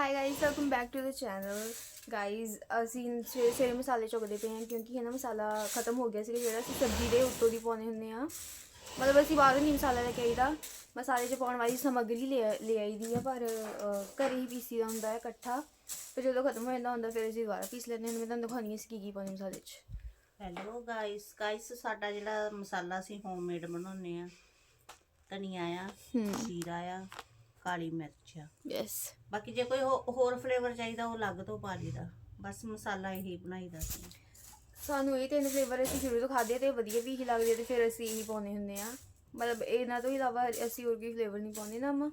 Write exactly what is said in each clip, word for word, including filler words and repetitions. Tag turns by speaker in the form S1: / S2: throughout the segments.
S1: High guys, welcome back to the channel. Guys ਅਸੀਂ ਸਵੇਰੇ ਸਵੇਰੇ ਮਸਾਲੇ ਚੁੱਕਦੇ ਪਏ ਹਾਂ ਕਿਉਂਕਿ ਹੈ ਨਾ ਮਸਾਲਾ ਖਤਮ ਹੋ ਗਿਆ ਸੀ ਜਿਹੜਾ ਅਸੀਂ ਸਬਜ਼ੀ ਦੇ ਉੱਤੋਂ ਦੀ ਪਾਉਂਦੇ ਹੁੰਦੇ ਹਾਂ। ਮਤਲਬ ਅਸੀਂ ਬਾਹਰੋਂ ਨਹੀਂ ਮਸਾਲਾ ਲੈ ਕੇ ਆਈਦਾ, ਮਸਾਲੇ 'ਚ ਪਾਉਣ ਵਾਲੀ ਸਮੱਗਰੀ ਲੈ ਲੈ ਆਈ ਦੀ ਆ, ਪਰ ਘਰੇ ਹੀ ਪੀਸੀ ਦਾ ਹੁੰਦਾ ਹੈ ਇਕੱਠਾ। ਫਿਰ ਜਦੋਂ ਖਤਮ ਹੋ ਜਾਂਦਾ ਹੁੰਦਾ ਫਿਰ ਅਸੀਂ ਦੁਬਾਰਾ ਪੀਸ ਲੈਂਦੇ ਹਾਂ। ਮੈਂ ਤੁਹਾਨੂੰ ਦਿਖਾਉਂਦੀ ਅਸੀਂ ਕੀ ਕੀ ਪਾਉਂਦੇ ਮਸਾਲੇ 'ਚ।
S2: ਹੈਲੋ ਗਾਇਸ ਗਾਇਸ ਸਾਡਾ ਜਿਹੜਾ ਮਸਾਲਾ ਅਸੀਂ ਹੋਮਮੇਡ ਬਣਾਉਂਦੇ ਆ, ਧਨੀਆ ਆ, ਜੀਰਾ ਆ, ਕਾਲੀ ਮਿਰਚ ਆ।
S1: ਯੈਸ,
S2: ਬਾਕੀ ਜੇ ਕੋਈ ਹੋਰ ਫਲੇਵਰ ਚਾਹੀਦਾ ਉਹ ਅਲੱਗ ਤੋਂ ਪਾ ਲਈਦਾ, ਬਸ ਮਸਾਲਾ ਇਹੀ ਬਣਾਈਦਾ ਸੀ।
S1: ਸਾਨੂੰ ਇਹ ਤਿੰਨ ਫਲੇਵਰ ਅਸੀਂ ਸ਼ੁਰੂ ਤੋਂ ਖਾਧੇ ਅਤੇ ਵਧੀਆ ਵੀ ਹੀ ਲੱਗਦੇ, ਅਤੇ ਫਿਰ ਅਸੀਂ ਇਹੀ ਪਾਉਂਦੇ ਹੁੰਦੇ ਹਾਂ। ਮਤਲਬ ਇਹਨਾਂ ਤੋਂ ਇਲਾਵਾ ਅਸੀਂ ਹੋਰ ਕੋਈ ਫਲੇਵਰ ਨਹੀਂ ਪਾਉਂਦੇ ਨਾ ਮੰਮਾ।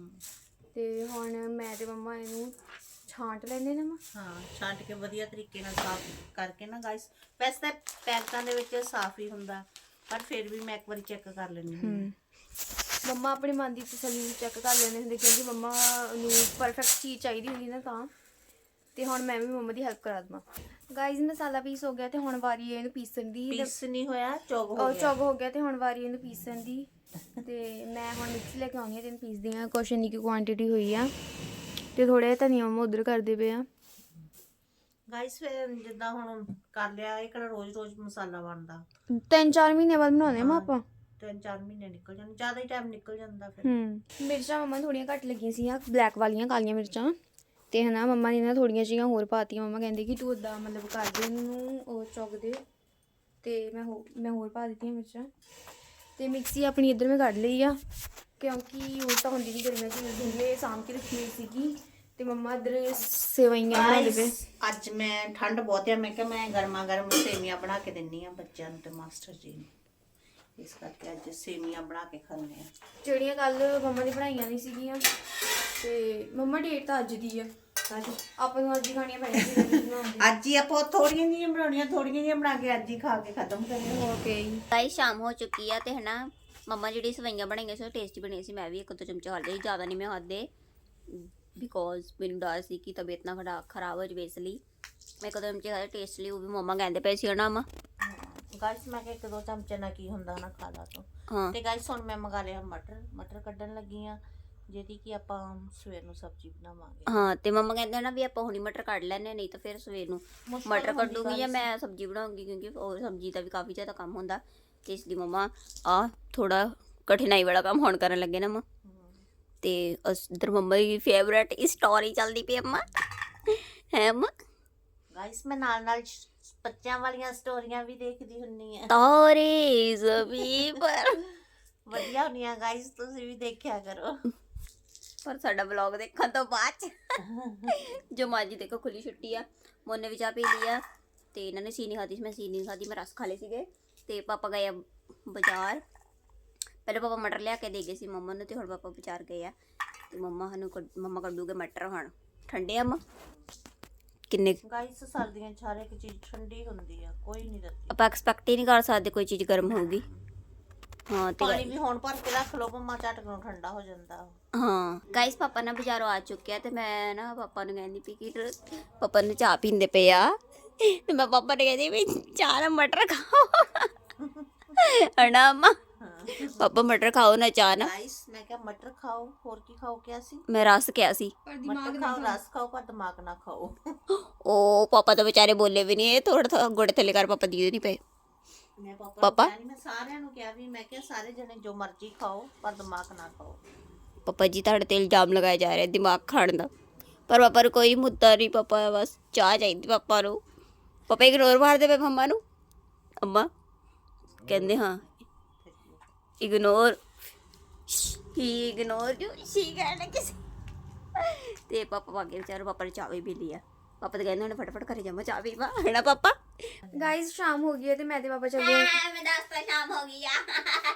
S1: ਅਤੇ ਹੁਣ ਮੈਂ ਅਤੇ ਮੰਮਾ ਇਹਨੂੰ ਛਾਂਟ ਲੈਂਦੇ ਨਾ।
S2: ਹਾਂ, ਛਾਂਟ ਕੇ ਵਧੀਆ ਤਰੀਕੇ ਨਾਲ ਸਾਫ਼ ਕਰਕੇ ਨਾ ਗਾਇਸ। ਵੈਸੇ ਤਾਂ ਪੈਕਟਾਂ ਦੇ ਵਿੱਚ ਸਾਫ਼ ਹੀ ਹੁੰਦਾ, ਪਰ ਫਿਰ ਵੀ ਮੈਂ ਇੱਕ ਵਾਰੀ ਚੈੱਕ ਕਰ ਲੈਂਦੀ ਹਾਂ।
S1: ਮੰਮਾ ਆਪਣੀ ਮਨ ਦੀ ਤਸੱਲੀ ਚੈੱਕ ਕਰ ਲੈਂਦੇ ਹੁੰਦੇ ਕਿਉਂਕਿ ਮੰਮਾ ਨੂੰ ਪਰਫੈਕਟ ਚੀਜ਼ ਚਾਹੀਦੀ ਹੁੰਦੀ ਨਾ ਤਾਂ। ਅਤੇ ਹੁਣ ਮੈਂ ਵੀ ਮੰਮਾ ਦੀ ਹੈਲਪ ਕਰਾ ਦੇਵਾਂ। ਗਾਈਜ਼ ਮਸਾਲਾ ਪੀਸ ਹੋ ਗਿਆ ਅਤੇ ਹੁਣ ਵਾਰੀ ਇਹਨੂੰ ਪੀਸਣ ਦੀ।
S2: ਪੀਸ ਨਹੀਂ ਹੋਇਆ, ਚੌਗ ਹੋ ਗਿਆ।
S1: ਚੌਗ ਹੋ ਗਿਆ ਅਤੇ ਹੁਣ ਵਾਰੀ ਇਹਨੂੰ ਪੀਸਣ ਦੀ। ਅਤੇ ਮੈਂ ਹੁਣ ਮਿਕਸੀ ਲੈ ਕੇ ਆਉਂਦੀ ਹਾਂ ਅਤੇ ਇਹਨੂੰ ਪੀਸਦੀ ਹਾਂ। ਕੁਛ ਇੰਨੀ ਕੁ ਕੁਆਂਟਿਟੀ ਹੋਈ ਆ ਅਤੇ ਥੋੜ੍ਹਾ ਜਿਹਾ ਧਨੀਆ ਮੰਮਾ ਉੱਧਰ ਕਰਦੇ ਪਏ ਆ।
S2: ਗਾਇਸ ਫਿਰ ਜਿੱਦਾਂ ਹੁਣ ਕਰ ਲਿਆ, ਇਹ ਕਿਹੜਾ ਰੋਜ਼ ਰੋਜ਼ ਮਸਾਲਾ ਬਣਦਾ।
S1: ਤਿੰਨ ਚਾਰ ਮਹੀਨੇ ਬਾਅਦ ਬਣਾਉਂਦੇ ਹਾਂ ਆਪਾਂ।
S2: ਤਿੰਨ ਚਾਰ ਮਹੀਨੇ ਨਿਕਲ ਜਾਂਦੇ, ਜ਼ਿਆਦਾ ਹੀ ਟਾਈਮ ਨਿਕਲ ਜਾਂਦਾ ਫਿਰ।
S1: ਹੂੰ ਮਿਰਚਾਂ ਮੰਮਾ ਥੋੜ੍ਹੀਆਂ ਘੱਟ ਲੱਗੀਆਂ ਸੀਗੀਆਂ, ਬਲੈਕ ਵਾਲੀਆਂ ਕਾਲੀਆਂ ਮਿਰਚਾਂ। ਅਤੇ ਹੈ ਨਾ ਮੰਮਾ ਨੇ ਨਾ ਥੋੜ੍ਹੀਆਂ ਜਿਹੀਆਂ ਹੋਰ ਪਾਤੀਆਂ। ਮੰਮਾ ਕਹਿੰਦੇ ਕਿ ਤੂੰ ਉੱਦਾਂ ਮਤਲਬ ਕਰ ਦੇ ਇਹਨੂੰ ਉਹ ਚੁੱਕ ਦੇ, ਅਤੇ ਮੈਂ ਹੋ ਮੈਂ ਹੋਰ ਪਾ ਦਿੱਤੀਆਂ ਮਿਰਚਾਂ। ਅਤੇ ਮਿਕਸੀ ਆਪਣੀ ਇੱਧਰ ਮੈਂ ਕੱਢ ਲਈ ਆ ਕਿਉਂਕਿ ਯੂਜ਼ ਤਾਂ ਹੁੰਦੀ ਨਹੀਂ ਗਰਮੀਆਂ 'ਚ ਯੂਜ਼ ਹੁੰਦੀ ਹੈ। ਸਾਂਭ ਕੇ ਰੱਖੀ ਹੋਈ ਸੀਗੀ ਅਤੇ ਮੰਮਾ ਇੱਧਰ ਸੇਵਈਆਂ ਬਣਾਉਂਦੇ ਪਏ।
S2: ਅੱਜ ਮੈਂ ਠੰਡ ਬਹੁਤ ਆ, ਮੈਂ ਕਿਹਾ ਮੈਂ ਗਰਮਾ ਗਰਮ ਸੇਵੀਆਂ ਬਣਾ ਕੇ ਦਿੰਦੀ ਹਾਂ ਬੱਚਿਆਂ ਨੂੰ ਅਤੇ ਮਾਸਟਰ ਜੀ ਨੂੰ। ਇਸ ਕਰਕੇ ਅੱਜ ਸੇਵੀਆਂ ਬਣਾ ਕੇ ਖਾਂਦੇ ਹਾਂ,
S1: ਜਿਹੜੀਆਂ ਕੱਲ੍ਹ ਮੰਮਾ ਨੇ ਬਣਾਈਆਂ ਨਹੀਂ ਸੀਗੀਆਂ। ਅਤੇ ਮੰਮਾ ਡੇਟ ਤਾਂ ਅੱਜ ਦੀ ਆ, ਆਪਾਂ ਨੂੰ ਅੱਜ ਹੀ ਖਾਣੀਆਂ ਪੈਣੀਆਂ ਸੀ।
S2: ਅੱਜ ਹੀ ਆਪਾਂ ਥੋੜੀਆਂ ਜਿਹੀਆਂ ਬਣਾਉਣੀਆਂ, ਥੋੜੀਆਂ ਜਿਹੀਆਂ ਬਣਾ ਕੇ ਅੱਜ ਹੀ ਖਾ ਕੇ ਖਤਮ ਕਰੀਏ।
S1: ਓਕੇ
S3: ਗਾਇਸ ਸ਼ਾਮ ਹੋ ਚੁੱਕੀ ਆ ਤੇ ਹਨਾ ਮੰਮਾ ਜਿਹੜੀ ਸਵਈਆਂ ਬਣਾਈਆਂ ਸੀ ਉਹ ਟੇਸਟੀ ਬਣੀ ਸੀ। ਮੈਂ ਵੀ ਇੱਕ ਦੋ ਚਮਚੇ ਖਾ ਲਏ, ਜ਼ਿਆਦਾ ਨਹੀਂ ਮੈਂ ਖਾਦੇ ਬਿਕੋਜ਼ ਮੈਨੂੰ ਡਰ ਸੀ ਕਿ ਤਬੀਅਤ ਨਾ ਖਰਾ ਖਰਾਬ ਹੋ ਜਾਵੇ, ਇਸ ਲਈ ਮੈਂ ਇੱਕ ਦੋ ਚਮਚੇ ਖਾਦੇ ਟੇਸਟ ਲਈ। ਉਹ ਵੀ ਮੰਮਾ ਕਹਿੰਦੇ ਪਏ ਸੀ ਹਨਾ ਮੰਮਾ।
S2: ਗਾਇਸ ਮੈਂ ਕਿਹਾ ਇੱਕ ਦੋ ਚਮਚੇ ਨਾਲ ਕੀ ਹੁੰਦਾ ਨਾ, ਖਾ ਲਾ ਤੂੰ।
S3: ਹਾਂ
S2: ਤੇ ਗਾਇਸ ਹੁਣ ਮੈਂ ਮੰਗਾ ਲਿਆ ਮਟਰ ਮਟਰ ਕੱਢਣ ਲੱਗੀ ਆ, ਜਿਹਦੀ ਕਿ ਆਪਾਂ ਸਵੇਰ ਨੂੰ ਸਬਜ਼ੀ ਬਣਾਵਾਂਗੇ।
S3: ਹਾਂ ਤੇ ਮੰਮਾ ਕਹਿੰਦੇ ਨਾ ਵੀ ਆਪਾਂ ਹੁਣੀ ਮਟਰ ਕੱਢ ਲੈਣੇ, ਨਹੀਂ ਤਾਂ ਫਿਰ ਸਵੇਰ ਨੂੰ ਮਟਰ ਕੱਢੂਗੀ ਜਾਂ ਮੈਂ ਸਬਜ਼ੀ ਬਣਾਉਂਗੀ, ਕਿਉਂਕਿ ਉਹ ਸਬਜ਼ੀ ਦਾ ਵੀ ਕਾਫੀ ਜ਼ਿਆਦਾ ਕੰਮ ਹੁੰਦਾ। ਤੇ ਇਸ ਲਈ ਮੰਮਾ ਆ ਥੋੜਾ ਕਠਿਨਾਈ ਵਾਲਾ ਕੰਮ ਹੁਣ ਕਰਨ ਲੱਗੇ ਨਾ ਮੰਮਾ। ਤੇ ਇੱਧਰ ਮੰਮਾ ਦੀ ਫੇਵਰੇਟ ਸਟੋਰੀ ਚੱਲਦੀ ਪਈ ਮੰਮਾ ਹੈ ਮੰਮਾ।
S2: ਗਾਇਸ ਮੈਂ ਨਾਲ ਨਾਲ ਬੱਚਿਆਂ ਵਾਲੀਆਂ ਸਟੋਰੀਆਂ ਵੀ ਦੇਖਦੀ ਹੁੰਨੀ ਆ,
S3: ਤਾਰੇ ਜ਼ਮੀਨ ਪਰ
S2: ਵਧੀਆ ਹੁੰਦੀਆਂ ਗਾਇਸ, ਤੁਸੀਂ ਵੀ ਦੇਖਿਆ ਕਰੋ।
S3: ਪਰ ਸਾਡਾ ਵਲੌਗ ਦੇਖਣ ਤੋਂ ਬਾਅਦ ਜੋ ਮਾਜੀ ਦੇਖੋ ਖੁੱਲੀ ਛੁੱਟੀ ਆ, ਮੋਨੇ ਵੀ ਚਾਹ ਪੀ ਲਈ ਆ ਤੇ ਇਹਨਾਂ ਨੇ ਸੀਨੀ ਖਾਧੀ ਸੀ, ਮੈਂ ਸੀਨੀ ਖਾਧੀ, ਮੈਂ ਰਸ ਖਾ ਲਏ ਸੀਗੇ। ਤੇ ਪਾਪਾ ਗਏ ਆ ਬਾਜ਼ਾਰ। ਪਹਿਲਾਂ ਪਾਪਾ ਮਟਰ ਲਿਆ ਕੇ ਦੇ ਗਏ ਸੀ ਮੰਮਾ ਨੂੰ, ਤੇ ਹੁਣ ਪਾਪਾ ਬਾਜ਼ਾਰ ਗਏ ਆ ਤੇ ਮੰਮਾ ਸਾਨੂੰ ਮੰਮਾ ਕੱਢੂਗੇ ਮਟਰ। ਹੁਣ ਠੰਡੇ ਆ ਮੰਮਾ ਕਿੰਨੇ
S2: ਗਾਇਸ ਸਰਦੀਆਂ 'ਚ ਹਰ ਇੱਕ ਚੀਜ਼ ਠੰਡੀ ਹੁੰਦੀ ਆ, ਕੋਈ ਨਹੀਂ ਰੱਖਦੀ।
S3: ਆਪਾਂ ਐਕਸਪੈਕਟ ਹੀ ਨਹੀਂ ਕਰ ਸਕਦੇ ਕੋਈ ਚੀਜ਼ ਗਰਮ ਹੋਊਗੀ। ਹਾਂ ਤੇ
S2: ਪਾਣੀ ਵੀ ਹੁਣ ਭਰ ਕੇ ਰੱਖ ਲਓ, ਮੰਮਾ ਝਟਕ ਨੂੰ ਠੰਡਾ ਹੋ ਜਾਂਦਾ।
S3: ਹਾਂ ਗਾਇਸ ਪਾਪਾ ਨਾ ਬਾਜ਼ਾਰੋਂ ਆ ਚੁੱਕੇ ਆ ਤੇ ਮੈਂ ਨਾ ਪਾਪਾ ਨੂੰ ਕਹਿੰਦੀ ਪਈ ਕਿ ਪਾਪਾ ਨੇ ਚਾਹ ਪੀਂਦੇ ਪਏ ਆ, ਤੇ ਮੈਂ ਪਾਪਾ ਨੇ ਕਹਿੰਦੀ ਵੀ ਚਾਹ ਨਾਲ ਮਟਰ ਖਾਓ ਹਨਾ ਮੰਮਾ। ਪਾਪਾ ਮਟਰ ਖਾਓ ਨਾ ਚਾਹ ਨਾ।
S2: ਗਾਇਸ ਮੈਂ ਕਿਹਾ ਮਟਰ ਖਾਓ, ਹੋਰ ਕੀ ਖਾਓ ਕਿਹਾ ਸੀ?
S3: ਮੈਂ ਰਸ ਕਿਹਾ ਸੀ।
S2: ਮਟਰ ਖਾਓ, ਰਸ ਖਾਓ, ਪਰ ਦਿਮਾਗ ਨਾ ਖਾਓ।
S3: ਉਹ ਪਾਪਾ ਤਾਂ ਵਿਚਾਰੇ ਬੋਲੇ ਵੀ ਨਹੀਂ, ਇਹ ਥੋੜਾ ਥੋੜਾ ਗੋੜੇ ਥੱਲੇ ਕਰ ਪਾਪਾ ਦੀ ਨਹੀਂ ਪਏ।
S2: ਮੈਂ ਪਾਪਾ
S3: ਪਾਪਾ
S2: ਨੂੰ ਮੈਂ ਸਾਰਿਆਂ ਨੂੰ ਕਿਹਾ ਵੀ, ਮੈਂ ਕਿਹਾ ਸਾਰੇ ਜਣੇ ਜੋ ਮਰਜ਼ੀ ਖਾਓ ਪਰ ਦਿਮਾਗ ਨਾ ਖਾਓ।
S3: ਪਾਪਾ ਜੀ ਤੁਹਾਡੇ ਤੇ ਇਲਜ਼ਾਮ ਲਗਾਇਆ ਜਾ ਰਿਹਾ ਦਿਮਾਗ ਖਾਣ ਦਾ, ਪਰ ਪਾਪਾ ਨੂੰ ਕੋਈ ਮੁੱਦਾ ਨਹੀਂ। ਪਾਪਾ ਬਸ ਚਾਹ ਚਾਹੀਦੀ ਪਾਪਾ ਨੂੰ। ਪਾਪਾ ਇਗਨੋਰ ਮਾਰਦੇ ਪਏ ਮੰਮਾ ਨੂੰ। ਅੰਮਾ ਕਹਿੰਦੇ ਹਾਂ ਇਗਨੋਰ ਹੀ ਇਗਨੋਰ ਜੋ ਸੀ ਕਹਿਣਾ ਕਿਸੇ। ਤੇ ਪਾਪਾ ਭਾਗੇ ਵਿਚਾਰੇ, ਪਾਪਾ ਨੇ ਚਾਹ ਵੀ ਪੀ ਲਈ ਆ। ਪਾਪਾ ਤਾਂ ਕਹਿੰਦੇ ਉਹਨੇ ਫਟਾਫਟ ਘਰੇ ਜਾਵਾਂ ਚਾਹ ਪੀਵਾ ਹੈ ਨਾ ਪਾਪਾ।
S1: ਗਾਈਜ਼ ਸ਼ਾਮ ਹੋ ਗਈ ਹੈ ਤੇ ਮੈਂ ਤੇ ਪਾਪਾ ਚੱਲੇ ਆ।
S3: ਮੈਂ ਦੱਸਦਾ ਸ਼ਾਮ ਹੋ ਗਈ ਆ।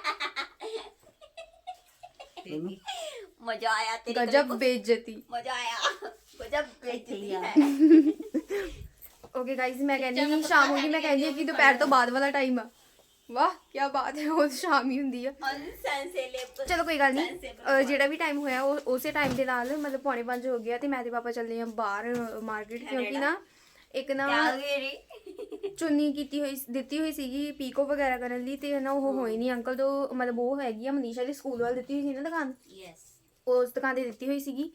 S3: ਮਜ਼ਾ ਆਇਆ ਤੇਰੀ
S1: ਗਜਬ ਬੇਇੱਜ਼ਤੀ।
S3: ਮਜ਼ਾ ਆਇਆ ਗਜਬ ਬੇਇੱਜ਼ਤੀ ਹੈ।
S1: ਓਕੇ ਗਾਈਜ਼ ਮੈਂ ਕਹਿੰਦੀ ਨਹੀਂ ਸ਼ਾਮ ਹੋ ਗਈ, ਮੈਂ ਕਹਿੰਦੀ ਕਿ ਦੁਪਹਿਰ ਤੋਂ ਬਾਅਦ ਵਾਲਾ ਟਾਈਮ ਆ। ਵਾਹ ਕੀ ਬਾਤ ਹੈ, ਉਹ ਸ਼ਾਮ ਹੀ ਹੁੰਦੀ ਆ। ਚਲੋ ਕੋਈ ਗੱਲ ਨਹੀਂ, ਜਿਹੜਾ ਵੀ ਟਾਈਮ ਹੋਇਆ ਉਹ ਉਸੇ ਟਾਈਮ ਦੇ ਨਾਲ ਮਤਲਬ ਪੌਣੇ ਪੰਜ ਹੋ ਗਿਆ ਤੇ ਮੈਂ ਤੇ ਪਾਪਾ ਚੱਲੇ ਆ ਬਾਹਰ ਮਾਰਕੀਟ, ਕਿਉਂਕਿ ਨਾ ਇੱਕ ਨਾ ਚੁੰਨੀ ਕੀਤੀ ਹੋਈ ਦਿੱਤੀ ਹੋਈ ਸੀਗੀ ਪੀਕੋ ਵਗੈਰਾ ਕਰਨ ਲਈ, ਤੇ ਨਾ ਉਹ ਹੋਈ ਨਹੀਂ ਅੰਕਲ ਤੋਂ, ਮਤਲਬ ਉਹ ਹੈਗੀ ਆ ਮਨੀਸ਼ਾ ਦੇ ਸਕੂਲ ਵੱਲ ਦਿੱਤੀ ਹੋਈ ਸੀ ਨਾ ਦੁਕਾਨ, ਉਸ ਦੁਕਾਨ 'ਤੇ ਦਿੱਤੀ ਹੋਈ ਸੀਗੀ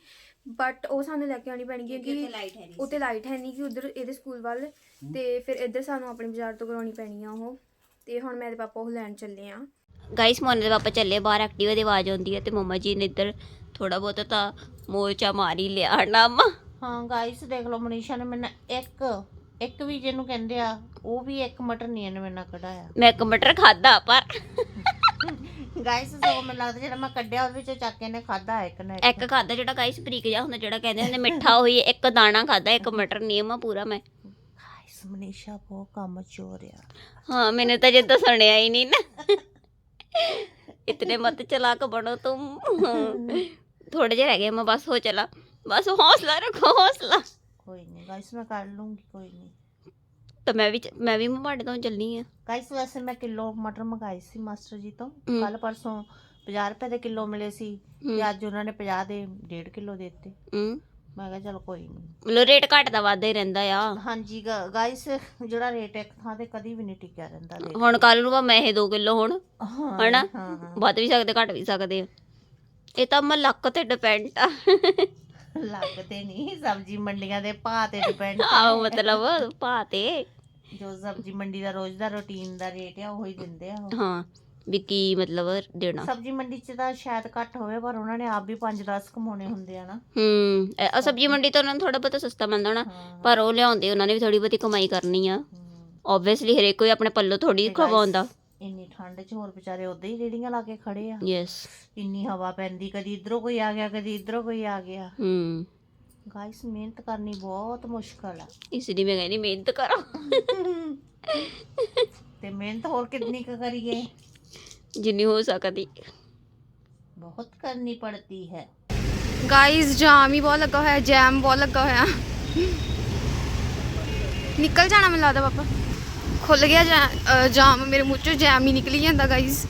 S1: ਬਟ ਉਹ ਸਾਨੂੰ ਲੈ ਕੇ ਆਉਣੀ ਪੈਣੀ ਕਿਉਂਕਿ
S3: ਲਾਈਟ ਹੈ ਨਹੀਂ
S1: ਉੱਤੇ ਲਾਈਟ ਹੈ ਨਹੀਂ ਕਿ ਉਧਰ ਇਹਦੇ ਸਕੂਲ ਵੱਲ, ਤੇ ਫਿਰ ਇੱਧਰ ਸਾਨੂੰ ਆਪਣੇ ਬਾਜ਼ਾਰ ਤੋਂ ਕਰਾਉਣੀ ਪੈਣੀ ਆ ਉਹ। ਤੇ ਹੁਣ ਮੇਰੇ ਪਾਪਾ ਉਹ ਲੈਣ ਚੱਲੇ ਆ।
S3: ਗਾਇਸ ਮੋਨੇ ਦੇ ਪਾਪਾ ਚੱਲੇ ਬਾਹਰ, ਐਕਟਿਵਾ ਦੀ ਆਵਾਜ਼ ਆਉਂਦੀ ਹੈ ਤੇ ਮੰਮਾ ਜੀ ਨੇ ਇੱਧਰ ਥੋੜਾ ਬਹੁਤ ਤਾਂ ਮੋਰਚਾ ਮਾਰ ਹੀ ਲਿਆ ਨਾ ਅੰਮਾ।
S2: ਹਾਂ ਗਾਇਸ ਦੇਖ ਲਓ, ਮਨੀਸ਼ਾ ਨੇ ਮੈਨੂੰ ਇੱਕ ਇੱਕ ਵੀ ਜਿਹਨੂੰ ਕਹਿੰਦੇ ਆ ਉਹ ਵੀ ਇੱਕ ਮਟਰ ਨਹੀਂ ਇਹਨੇ ਮੇਰੇ ਨਾਲ ਕਢਾਇਆ।
S3: ਮੈਂ ਇੱਕ ਮਟਰ ਖਾਦਾ ਪਰ
S2: ਗਾਇਸ ਸੋ ਮੈਨੂੰ ਲੱਗਦਾ ਜਿਹੜਾ ਮੈਂ ਕੱਢਿਆ ਉਹਦੇ ਵਿੱਚੋਂ ਚੱਕ ਕੇ ਇਹਨੇ ਖਾਦਾ ਇੱਕ ਨਾ
S3: ਇੱਕ ਖਾਦਾ ਜਿਹੜਾ ਗਾਇਸ ਬਰੀਕ ਜਿਹਾ ਹੁੰਦਾ, ਜਿਹੜਾ ਕਹਿੰਦੇ ਹੁੰਦੇ ਮਿੱਠਾ ਹੋਈ, ਇੱਕ ਦਾਣਾ ਖਾਦਾ, ਇੱਕ ਮਟਰ ਨਹੀਂ ਅੰਮਾ ਪੂਰਾ ਮੈਂ।
S2: ਗਾਇਸ ਮਨੀਸ਼ਾ ਬਹੁਤ ਕੰਮ ਚੋਰ ਆ।
S3: ਹਾਂ मैंने तो जिद्दां सुनिया ही नहीं ना। इतने मत चलाक बनो तुम। थोड़े जे रह गए मैं, बस हो चला, बस हौसला रखो हौसला।
S2: ਕੋਈ ਨਹੀਂ ਗਾਇਸ ਮੈਂ ਕਰ ਲੂੰਗੀ, ਕੋਈ ਨਹੀਂ।
S3: तो मैं भी मैं भी माड़े तो चलनी है
S2: ਗਾਇਸ ਵੈਸੇ ਮੈਂ ਕਿਲੋ ਮਟਰ ਮੰਗਾਏ ਸੀ ਮਾਸਟਰ ਜੀ ਤੋਂ ਕੱਲ ਪਰਸੋਂ, ਪੰਜਾਹ ਰੁਪਏ ਦੇ ਕਿਲੋ ਮਿਲੇ ਸੀ ਤੇ ਅੱਜ ਉਹਨਾਂ ਨੇ ਪੰਜਾਹ ਦੇ ਡੇਢ ਕਿਲੋ ਦੇ ਦਿੱਤੇ।
S3: ਹੂੰ
S2: ਮੈਂ ਕਿਹਾ ਚਲ ਕੋਈ ਨਹੀਂ,
S3: ਮਤਲਬ ਰੇਟ ਘਟਦਾ ਵੱਧਦਾ ਹੀ ਰਹਿੰਦਾ ਆ।
S2: ਹਾਂਜੀ ਗਾਇਸ ਜਿਹੜਾ ਰੇਟ ਇੱਕ ਥਾਂ ਤੇ ਕਦੀ ਵੀ ਨਹੀਂ ਟਿਕਿਆ ਰਹਿੰਦਾ ਰੇਟ।
S3: ਹੁਣ ਕੱਲ ਨੂੰ ਭਾਵੇਂ ਇਹ ਦੋ ਕਿਲੋ ਹੋਣ
S2: ਹਾਂ
S3: ਹਨਾ,
S2: ਹਾਂ
S3: ਵੱਧ ਵੀ ਸਕਦੇ ਘਟ ਵੀ ਸਕਦੇ ਆ। ਇਹ ਤਾਂ ਮੈਂ ਲੱਕ ਤੇ ਡਿਪੈਂਡ ਆ।
S2: ਲੱਗਦੇ ਨਹੀਂ, ਸਬਜ਼ੀ ਮੰਡੀਆਂ ਦੇ ਭਾਅ ਤੇ ਡਿਪੈਂਡ।
S3: ਆਹੋ ਮਤਲਬ ਭਾਅ ਤੇ
S2: ਜੋ ਸਬਜ਼ੀ ਮੰਡੀ ਦਾ ਰੋਜ਼ ਦਾ ਰੂਟੀਨ ਦਾ ਰੇਟ ਆ ਉਹੀ ਦਿੰਦੇ ਆ ਉਹ।
S3: ਹਾਂ ਵੀ ਕੀ ਮਤਲਬ ਦੇਣਾ।
S2: ਸਬਜ਼ੀ ਮੰਡੀ 'ਚ ਤਾਂ ਸ਼ਾਇਦ ਘੱਟ ਹੋਵੇ ਪਰ ਉਹਨਾਂ ਨੇ ਆਪ ਵੀ ਪੰਜ ਦਸ ਕਮਾਉਣੇ ਹੁੰਦੇ ਆ ਨਾ।
S3: ਹੂੰ ਇਹ ਸਬਜ਼ੀ ਮੰਡੀ ਤੋਂ ਉਹਨਾਂ ਨੂੰ ਥੋੜਾ ਬਹੁਤਾ ਸਸਤਾ ਮਿਲਦਾ ਹੋਣਾ, ਪਰ ਉਹ ਲਿਆਉਂਦੇ ਉਹਨਾਂ ਨੇ ਵੀ ਥੋੜੀ ਬਹੁਤੀ ਕਮਾਈ ਕਰਨੀ ਆ। ਓਬਵੀਅਸਲੀ ਹਰੇਕ ਕੋਈ ਆਪਣੇ ਪੱਲੋਂ ਥੋੜੀ ਖਵਾਉਂਦਾ।
S2: ਇੰਨੀ ਠੰਡ 'ਚ ਹੋਰ ਵਿਚਾਰੇ ਉਦਾਂ ਹੀ ਰੇੜੀਆਂ ਲਾ ਕੇ ਖੜੇ ਆ।
S3: ਯੈਸ
S2: ਇੰਨੀ ਹਵਾ ਪੈਂਦੀ, ਕਦੀ ਇਧਰੋਂ ਕੋਈ ਆ ਗਿਆ ਕਦੀ ਇਧਰੋਂ ਕੋਈ ਆ ਗਿਆ।
S3: ਹੂੰ
S2: ਗਾਇਸ ਮਿਹਨਤ ਕਰਨੀ ਬਹੁਤ ਮੁਸ਼ਕਲ ਆ,
S3: ਇਸ ਲਈ ਮੈਂ ਕਹਿੰਦੀ ਮਿਹਨਤ ਕਰੋ।
S2: ਤੇ ਮਿਹਨਤ ਹੋਰ ਕਿੰਨੀ ਕੁ ਕਰੀਏ,
S3: ਜਿੰਨੀ ਹੋ ਸਕਦੀ।
S2: ਬਹੁਤ ਕਰਨੀ ਪੜਤੀ ਹੈ।
S1: ਗਾइस ਜਾਮ ਹੀ ਬਹੁਤ ਲੱਗਾ ਹੋਇਆ, ਜੈਮ ਬਹੁਤ ਲੱਗਾ ਹੋਇਆ। ਨਿਕਲ ਜਾਣਾ ਮੈਨੂੰ ਲੱਗਦਾ ਪਾਪਾ, ਖੁੱਲ ਗਿਆ ਜੈ- ਅ, ਜਾਮ ਮੇਰੇ ਮੂੰਹ ਚੋਂ ਜੈਮ ਹੀ ਨਿਕਲੀ ਜਾਂਦਾ ਗਾइस।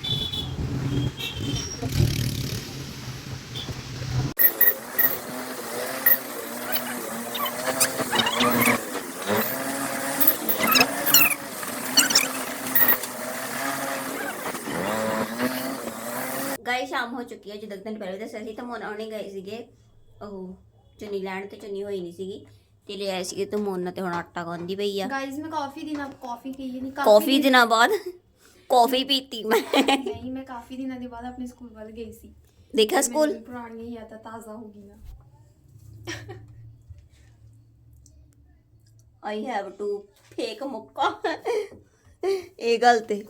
S3: ਗਾਈ ਸ਼ਾਮ ਹੋ ਚੁੱਕੀ ਹੈ, ਜਦੋਂ ਦਿਨ ਪਹਿਲੇ ਦੱਸਿਆ ਸੀ ਤਾਂ ਮੋਨਾ ਉਹਨੇ ਗਏ ਸੀਗੇ ਉਹ ਚੁੰਨੀ ਲੈਣ, ਤੇ ਚੁੰਨੀ ਹੋਈ ਨਹੀਂ ਸੀਗੀ ਤੇ ਲੈ ਆਏ ਸੀਗੇ ਤੇ ਮੋਨਾ ਤੇ ਹੁਣ ਆਟਾ ਗੁੰਨਦੀ ਪਈ ਆ।
S1: ਗਾइस ਮੈਂ ਕਾਫੀ ਦਿਨਾਂ ਕਾਫੀ ਪੀ ਨਹੀਂ,
S3: ਕਾਫੀ ਦਿਨਾਂ ਬਾਅਦ ਕਾਫੀ ਪੀਤੀ ਮੈਂ।
S1: ਨਹੀਂ ਮੈਂ ਕਾਫੀ ਦਿਨਾਂ ਦੇ ਬਾਅਦ ਆਪਣੇ ਸਕੂਲ ਵੱਲ ਗਈ ਸੀ।
S3: ਦੇਖਿਆ ਸਕੂਲ,
S1: ਮੇਰੀ ਪੁਰਾਣੀਆਂ ਯਾਦਾਂ ਤਾਜ਼ਾ ਹੋ ਗਈਆਂ।
S3: ਆਈ ਹੈਵ ਟੂ ਫੇਕ ਮੁੱਕਾ। ਇਹ ਗੱਲ ਤੇ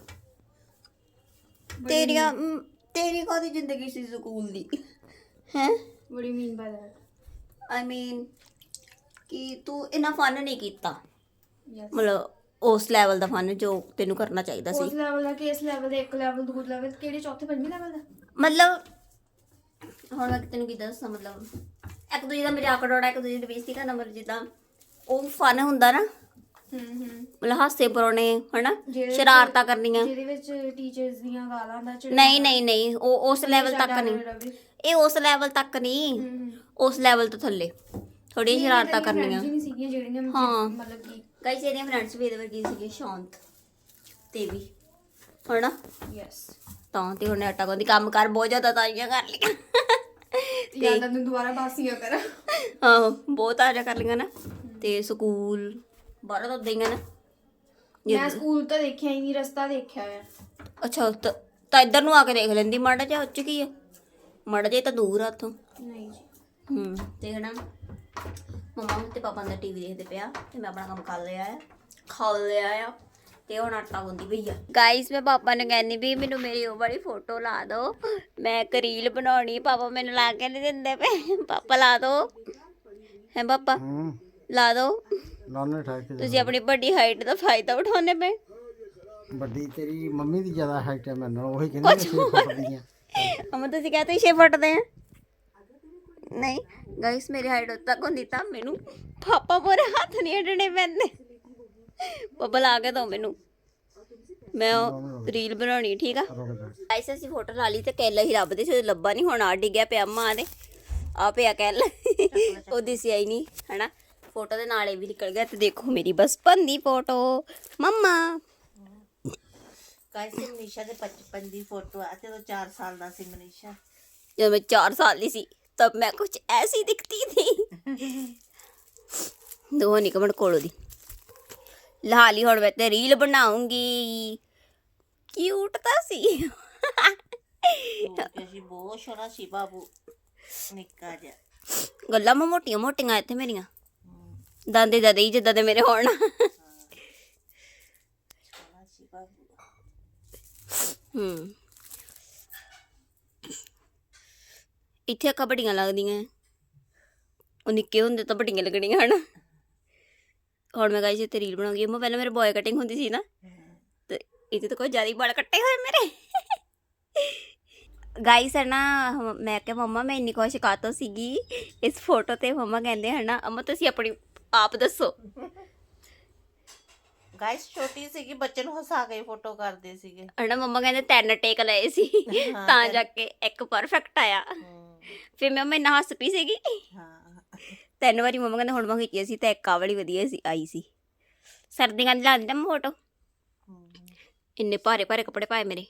S3: ਤੇਰੀਆਂ ਮ, ਤੇਰੀ ਕਾਹਦੀ ਜ਼ਿੰਦਗੀ ਸੀ ਸਕੂਲ ਦੀ ਹੈ?
S1: What do you mean by that?
S3: ਆਈ ਮੀਨ ਕਿ ਤੂੰ ਇੰਨਾ ਫਨ ਨਹੀਂ ਕੀਤਾ,
S1: Yes.
S3: ਮਤਲਬ ਉਸ ਲੈਵਲ ਦਾ ਫਨ ਜੋ ਤੈਨੂੰ ਕਰਨਾ ਚਾਹੀਦਾ
S1: ਉਸ
S3: ਸੀ।
S1: ਲੈਵਲ ਦਾ, ਕਿਸ ਲੈਵਲ ਦਾ, ਇੱਕ ਲੈਵਲ, ਦੂਜਾ ਲੈਵਲ, ਕਿਹੜੇ ਚੌਥੇ ਪੰਜਵੇਂ ਲੈਵਲ ਦਾ?
S3: ਮਤਲਬ ਹੁਣ ਮੈਂ ਤੈਨੂੰ ਕੀ ਦੱਸਾਂ, ਮਤਲਬ ਇੱਕ ਦੂਜੇ ਦਾ ਮਜ਼ਾਕ ਉਡਾਉਣਾ, ਇੱਕ ਦੂਜੇ ਦੀ ਬੇਇੱਜ਼ਤੀ ਕਰਨਾ, ਮਤਲਬ ਜਿੱਦਾਂ ਉਹ ਫਨ ਹੁੰਦਾ ਨਾ,
S1: ਹੂੰ ਹੂੰ
S3: ਮਤਲਬ ਹਾਸੇ ਪਰੋਣੇ ਹਨਾ,
S1: ਜਿਹੜੇ
S3: ਸ਼ਰਾਰਤਾਂ ਕਰਨੀਆਂ।
S1: ਜਿਹਦੇ ਵਿੱਚ ਟੀਚਰਸ ਦੀਆਂ ਗਾਲਾਂ ਦਾ ਚੜ੍ਹਾਵਾ।
S3: ਨਹੀਂ ਨਹੀਂ ਨਹੀਂ ਉਹ ਉਸ ਲੈਵਲ ਤੱਕ ਨਹੀਂ, ਇਹ ਉਸ ਲੈਵਲ ਤੱਕ ਨਹੀਂ,
S1: ਹੂੰ
S3: ਉਸ ਲੈਵਲ ਤੋਂ ਥੱਲੇ ਥੋੜੀ ਸ਼ਰਾਰਤਾਂ ਕਰਨੀਆਂ।
S1: ਨਹੀਂ ਸੀਗੀਆਂ ਜਿਹੜੀਆਂ
S3: ਹਾਂ।
S1: ਮਤਲਬ ਕਿ
S3: ਗਾਇਸ ਇਹਦੀਆਂ ਫਰੈਂਡਸ ਵੀ ਇਹਦੇ ਵਰਗੀ ਸੀਗੇ, ਸ਼ਾਂਤ ਤੇ ਵੀ ਹਨਾ,
S1: ਯੈਸ।
S3: ਤਾਂ ਤੇ ਉਹਨੇ ਆਟਾ ਗੁੰਦੀ ਕੰਮ ਕਰ ਬਹੁਤ ਜ਼ਿਆਦਾ ਤਾਜ਼ੀਆਂ ਕਰ ਲਈਆਂ।
S1: ਯਾਦਾਂ ਨੂੰ ਦੁਬਾਰਾ ਬਾਸੀਆਂ ਕਰ।
S3: ਆਹੋ ਬਹੁਤ ਤਾਜ਼ਾ ਕਰ ਲਈਆਂ ਨਾ। ਤੇ ਸਕੂਲ ਬਾਹਰ ਤਾਂ ਉਦਾਂ ਹੀ ਆ ਨਾ।
S1: ਮੈਂ ਸਕੂਲ ਤਾਂ ਦੇਖਿਆ ਹੀ ਨਹੀਂ, ਰਸਤਾ ਦੇਖਿਆ ਹੋਇਆ।
S3: ਅੱਛਾ ਤਾਂ ਤਾਂ ਇੱਧਰ ਨੂੰ ਆ ਕੇ ਦੇਖ ਲੈਂਦੀ ਮਾੜਾ ਜਿਹਾ, ਉੱਚ ਕੀ ਆ ਮਾੜਾ ਜਿਹਾ ਤਾਂ ਦੂਰ ਆ ਉੱਥੋਂ।
S1: ਨਹੀਂ ਜੀ।
S3: ਹੂੰ ਤੇ ਹਨਾ ਮੰਮਾ ਤੇ ਪਾਪਾ ਦਾ ਟੀਵੀ ਦੇਖਦੇ ਪਿਆ ਤੇ ਮੈਂ ਆਪਣਾ ਕੰਮ ਕਰ ਲਿਆ ਆ, ਖਾ ਲਿਆ ਆ ਤੇ ਹੁਣ ਆਟਾ ਗੁੰਦੀ ਪਈ ਆ। ਗਾਇਸ ਮੈਂ ਪਾਪਾ ਨੂੰ ਕਹਿੰਦੀ ਵੀ ਮੈਨੂੰ ਮੇਰੀ ਉਹ ਵਾਲੀ ਫੋਟੋ ਲਾ ਦਿਓ, ਮੈਂ ਇੱਕ ਰੀਲ ਬਣਾਉਣੀ। ਪਾਪਾ ਮੈਨੂੰ ਲਾ ਕੇ ਨਹੀਂ ਦਿੰਦੇ ਪਏ। ਪਾਪਾ ਲਾ ਦਿਓ, ਹੈ ਪਾਪਾ ਲਾ ਦਿਓ।
S4: ਲਾਣੇ ਠਾਕ ਕੇ
S3: ਤੁਸੀਂ ਆਪਣੀ ਵੱਡੀ ਹਾਈਟ ਦਾ ਫਾਇਦਾ ਉਠਾਉਂਦੇ ਪਏ।
S4: ਵੱਡੀ ਤੇਰੀ ਮੰਮੀ ਦੀ ਜ਼ਿਆਦਾ ਹਾਈਟ ਹੈ ਮੇਰੇ ਨਾਲ, ਉਹੀ ਕਹਿੰਦੀ ਛੇ ਫੁੱਟ ਦੀ ਆ।
S3: ਅਮਾ ਤੁਸੀਂ ਕਹਤੇ ਛੇ ਫੁੱਟ ਦੇ ਆ। ਨਹੀਂ ਗਾਇਸ ਮੇਰੀ ਹਾਈਟ ਉਦੋਂ ਤੱਕ ਹੁੰਦੀ ਤਾਂ ਮੈਨੂੰ ਪਾਪਾ ਪੂਰੇ ਹੱਥ ਨਹੀਂ ਅਡਣੇ ਪੈਂਦੇ। ਪਾਪਾ ਲਾ ਕੇ ਦੋ ਮੈਨੂੰ, ਮੈਂ ਉਹ ਰੀਲ ਬਣਾਉਣੀ। ਠੀਕ ਆ ਗਾਇਸ ਅਸੀਂ ਫੋਟੋ ਲਾ ਲਈ ਤੇ ਕੈਲਾ ਹੀ ਲੱਭਦੇ ਸੀ, ਲੱਭਾ ਨਹੀਂ। ਹੁਣ ਆ ਡਿੱਗਿਆ ਪਿਆ ਮਾਂ ਦੇ, ਆ ਪਿਆ ਕੈਲਾ, ਉਹ ਦਿਸਿਆ ਹੀ ਨਹੀਂ ਹਨਾ। ਫੋਟੋ ਦੇ ਨਾਲ ਇਹ ਵੀ ਨਿਕਲ ਗਿਆ। ਤੇ ਦੇਖੋ ਮੇਰੀ ਬਚਪਨ ਦੀ ਫੋਟੋ ਮੰਮਾ।
S2: ਗਾਇਸ ਮਨੀਸ਼ਾ ਦੇ ਬਚਪਨ ਦੀ ਫੋਟੋ ਆ, ਜਦੋਂ ਚਾਰ ਸਾਲ ਦਾ ਸੀ ਮਨੀਸ਼ਾ।
S3: ਜਦੋਂ ਮੈਂ ਚਾਰ ਸਾਲ ਦੀ ਸੀ तब मैं कुछ ऐसी दिखती थी। दो निकमण कोलो दी लाली हुण मैं ते रील बनाऊंगी। क्यूट ਤਾਂ ਸੀ।
S2: ਕਿ ਅਸੀਂ ਬਹੁਤ ਸੋਹਣਾ ਸੀ ਬਾਬੂ ਨਿੱਕਾ ਜਿਹਾ।
S3: ਗੱਲਾਂ ਮੈਂ ਮੋਟੀਆਂ ਮੋਟੀਆਂ ਇੱਥੇ ਮੇਰੀਆਂ ਦਾਦੇ ਦਾਦੇ ਹੀ ਜਿੱਦਾਂ ਦੇ ਮੇਰੇ ਹੋਣ।
S2: ਸੋਹਣਾ ਸੀ ਬਾਬੂ।
S3: ਹੂੰ ਇੱਥੇ ਅੱਖਾਂ ਵੱਡੀਆਂ ਲੱਗਦੀਆਂ, ਉਹ ਨਿੱਕੇ ਹੁੰਦੇ ਤਾਂ ਵੱਡੀਆਂ ਲੱਗਣੀਆਂ ਹਨ। ਹੁਣ ਮੈਂ ਗਾਇਸ ਇੱਥੇ ਰੀਲ ਬਣਾਉਂਗੀ। ਮੈਂ ਪਹਿਲਾਂ ਮੇਰੇ ਬॉय ਕਟਿੰਗ ਹੁੰਦੀ ਸੀ ਨਾ, ਤੇ ਇਹਦੇ ਤਾਂ ਕੋਈ ਜ਼ਿਆਦਾ ਹੀ ਵਾਲ ਕੱਟੇ ਹੋਏ ਮੇਰੇ। ਗਾਇਸ ਹੈ ਨਾ, ਮੈਂ ਕਿਹਾ ਮੰਮਾ ਮੈਂ ਇੰਨੀ ਕੁਛ ਕਾਤੋਂ ਸੀਗੀ ਇਸ ਫੋਟੋ ਤੇ। ਮੰਮਾ ਕਹਿੰਦੇ ਹੈ ਨਾ ਅਮਾ ਤੁਸੀਂ ਆਪਣੀ ਆਪ ਦੱਸੋ।
S2: ਗਾਇਸ ਛੋਟੀ ਸੀਗੀ, ਬੱਚੇ ਨੂੰ ਹਸਾ ਕੇ ਫੋਟੋ ਕਰਦੇ ਸੀਗੇ
S3: ਹੈ ਨਾ। ਮੰਮਾ ਕਹਿੰਦੇ ਤਿੰਨ ਟੇਕ ਲਏ ਸੀ
S2: ਹਾਂ,
S3: ਤਾਂ
S2: ਤਿੰਨ।
S3: ਜਾ ਕੇ ਇੱਕ ਪਰਫੈਕਟ ਆਇਆ।
S2: ਹਮ,
S3: ਫਿਰ ਮੈਂ ਇੰਨਾ ਹੱਸ ਪਈ ਸੀਗੀ
S2: ਹਾਂ।
S3: ਤਿੰਨ ਵਾਰੀ। ਮੰਮਾ ਕਹਿੰਦੇ ਹੁਣ ਮੈਂ ਖਿੱਚੀ ਸੀ ਤਾਂ ਇੱਕ ਆਹ ਵਾਲੀ ਵਧੀਆ ਸੀ ਆਈ ਸੀ। ਸਰਦੀਆਂ ਦੀ ਲਾਉਂਦੀ ਨਾ ਮੈਂ ਫੋਟੋ।
S2: ਹਮ,
S3: ਇੰਨੇ ਭਾਰੇ ਭਾਰੇ ਕੱਪੜੇ ਪਾਏ ਮੇਰੇ।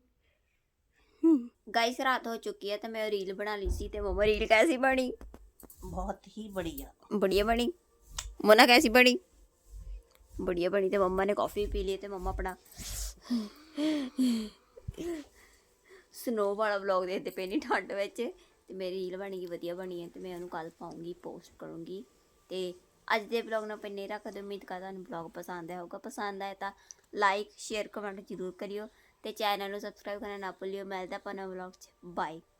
S3: ਗਾਇਸ ਰਾਤ ਹੋ ਚੁੱਕੀ ਹੈ ਤੇ ਮੈਂ ਰੀਲ ਬਣਾ ਲਈ ਸੀ ਤੇ ਮੰਮਾ ਰੀਲ ਕੈਸੀ ਬਣੀ?
S2: ਬਹੁਤ ਹੀ ਬੜੀਆ
S3: बढ़िया बनी। मोना कैसी बनी? बढ़िया बनी। तो मम्मा ने कॉफ़ी पी ली। तो मम्मा अपना स्नो वाला व्लॉग देखते पे नहीं ठंड में। तो मेरी रील बनी गई वधिया बनी है तो मैं उन्होंने कल पाऊँगी, पोस्ट करूँगी। तो अज के व्लॉग ना नहीं रखते। उम्मीद करता हूँ व्लॉग पसंद आया होगा। पसंद आया तो लाइक शेयर कमेंट जरूर करियो। तो चैनल को सबसक्राइब करना ना भूलियो। मिलता अपन व्लॉग च। बाय।